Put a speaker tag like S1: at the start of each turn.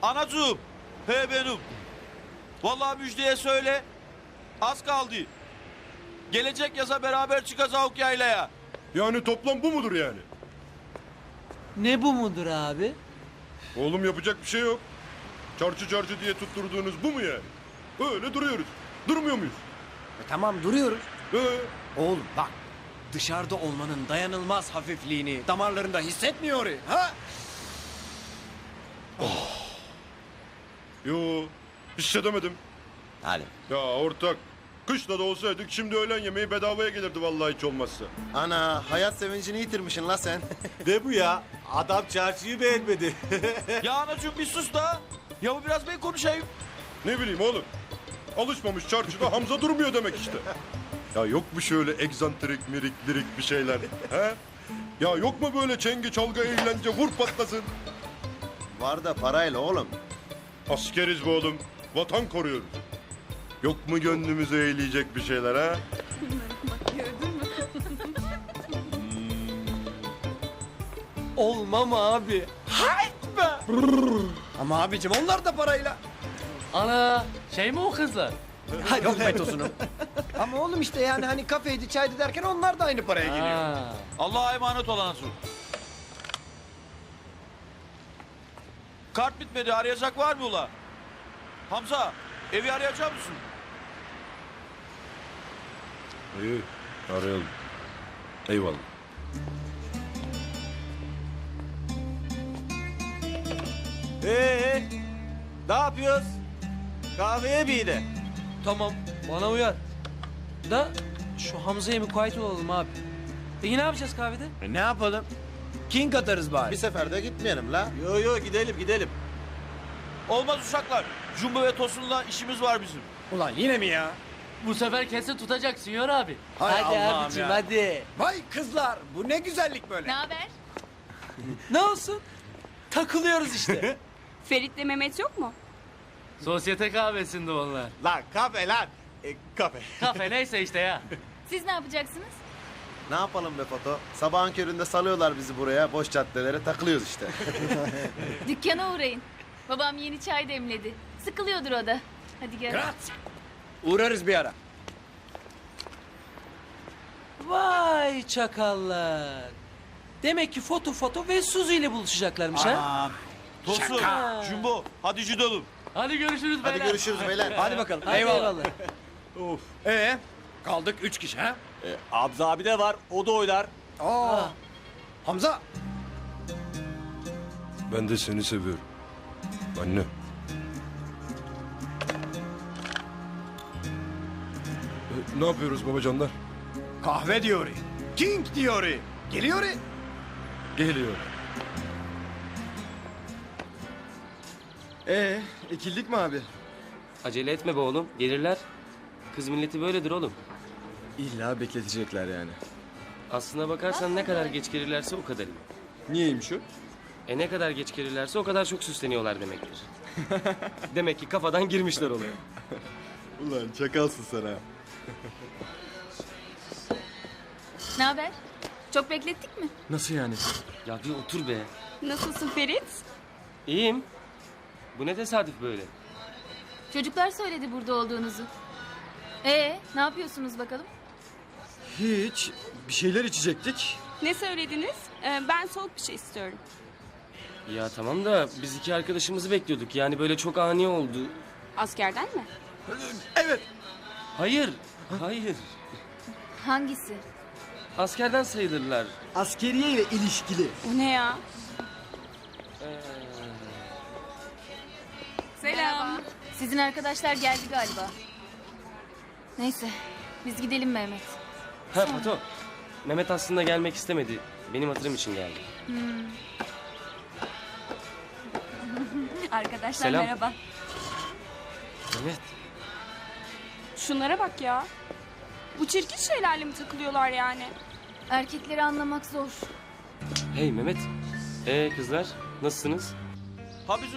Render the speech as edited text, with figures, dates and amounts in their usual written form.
S1: Anacığım, he benim. Vallahi müjdeye söyle, az kaldı. Gelecek yaza beraber çıkacağız yaylaya.
S2: Yani toplam bu mudur yani?
S3: Ne bu mudur abi?
S2: Oğlum yapacak bir şey yok. Çarçı çarçı diye tutturduğunuz bu mu yani? Öyle duruyoruz. Durmuyor muyuz?
S4: Tamam duruyoruz.
S2: Ee,
S4: Oğlum bak dışarıda olmanın dayanılmaz hafifliğini damarlarında hissetmiyor. Ha?
S2: yo, hissedemedim.
S5: Hadi.
S2: Ya ortak, kışla da olsaydık şimdi öğlen yemeği bedavaya gelirdi vallahi hiç olmazsa.
S5: Ana hayat sevincini yitirmişsin la sen.
S6: Ne bu ya? Adam çarşıyı beğenmedi.
S1: Ya anacığım bir sus da. Ya bu biraz ben konuşayım.
S2: Ne bileyim oğlum. Alışmamış çarşıda Hamza durmuyor demek işte. Ya yok mu şöyle egzantrik, mirik, lirik bir şeyler? He? Ya yok mu böyle çengi, çalgı, eğlence, vur patlasın?
S5: Var da parayla oğlum.
S2: Askeriz bu oğlum. Vatan koruyoruz. Yok mu gönlümüzü eğleyecek bir şeyler ha?
S3: Olmam abi.
S4: Ama abicim onlar da parayla.
S7: Ana şey mi o kızlar?
S4: Ha, yok metosunu. Ama oğlum işte yani hani kafeydi çaydı derken onlar da aynı paraya geliyor.
S7: Ha.
S1: Allah'a emanet ol anacığım. Kart bitmedi, arayacak var mı ula? Hamza, evi arayacak mısın?
S2: İyi, arayalım. Eyvallah.
S6: Ne yapıyoruz? Kahveye bir de.
S3: Tamam bana uyar. Da şu Hamza'ya mukayyet olalım abi. Peki ne yapacağız kahvede?
S4: Ne yapalım? King atarız bari.
S5: Bir seferde gitmeyelim la.
S6: Yo gidelim.
S1: Olmaz uşaklar. Jumbo ve Tosun'la işimiz var bizim.
S4: Ulan yine mi ya?
S7: Bu sefer kesin tutacak Sinyor abi.
S4: Hay
S3: hadi
S4: Allah'ım
S3: abicim
S4: ya.
S3: hadi.
S4: Vay kızlar bu ne güzellik böyle.
S8: Ne haber?
S3: Ne olsun? Takılıyoruz işte.
S8: Ferit'le Mehmet yok mu?
S7: Sosyete kahvesinde onlar.
S6: Lan kafe lan. Kafe.
S7: Kafe neyse işte ya.
S8: Siz ne yapacaksınız?
S5: Ne yapalım be Foto? Sabahın köründe salıyorlar bizi buraya. Boş caddelere takılıyoruz işte.
S8: Dükkana uğrayın. Babam yeni çay demledi. Sıkılıyordur o da. Hadi gel.
S4: Grazie. Uğrarız bir ara.
S3: Vay çakallar. Demek ki foto ve Suzi ile buluşacaklarmış ha.
S1: Tosun, Jumbo, hadi gidelim.
S7: Hadi görüşürüz
S5: Hadi
S7: beyler.
S5: görüşürüz beyler.
S4: Hadi bakalım.
S3: Hadi
S4: Eyvallah.
S3: eyvallah.
S4: Kaldık 3 kişi ha?
S6: Abza abi de var. O da oynar.
S4: Aa. Hamza.
S2: Ben de seni seviyorum. Anne. Ne yapıyoruz babacanlar?
S4: Kahve diyor. King diyor. Geliyor.
S2: Geliyor.
S9: Ekildik mi abi?
S10: Acele etme be oğlum. Gelirler. Kız milleti böyledir oğlum.
S9: İlla bekletecekler yani.
S10: Aslına bakarsan ne kadar geç gelirlerse o kadar iyi.
S9: Niyeymiş o?
S10: Ne kadar geç gelirlerse o kadar çok süsleniyorlar demektir. Demek ki kafadan girmişler olaya.
S9: Ulan çakalsın sen ha.
S8: Ne haber? Çok beklettik mi?
S9: Nasıl yani?
S10: Ya bir otur be.
S8: Nasılsın Ferit?
S10: İyiyim. Bu ne tesadüf böyle?
S8: Çocuklar söyledi burada olduğunuzu. Ne yapıyorsunuz bakalım?
S9: Hiç. Bir şeyler içecektik.
S11: Ne söylediniz? Ben soğuk bir şey istiyorum.
S10: Ya tamam da biz iki arkadaşımızı bekliyorduk. Yani böyle çok ani oldu.
S11: Askerden mi?
S10: Hayır. Hayır.
S8: Hangisi?
S10: Askerden sayılırlar.
S9: Askeriye ile ilişkili.
S11: O ne ya?
S8: Selam. Sizin arkadaşlar geldi galiba. Neyse biz gidelim Mehmet.
S10: Ha Fato. Mehmet aslında gelmek istemedi. Benim hatırım için geldi.
S11: Arkadaşlar
S10: Selam.
S11: merhaba.
S10: Mehmet.
S11: Şunlara bak ya. Bu çirkin şeylerle mi takılıyorlar yani?
S8: Erkekleri anlamak zor.
S10: Hey Mehmet. Kızlar nasılsınız?
S1: Ha bizim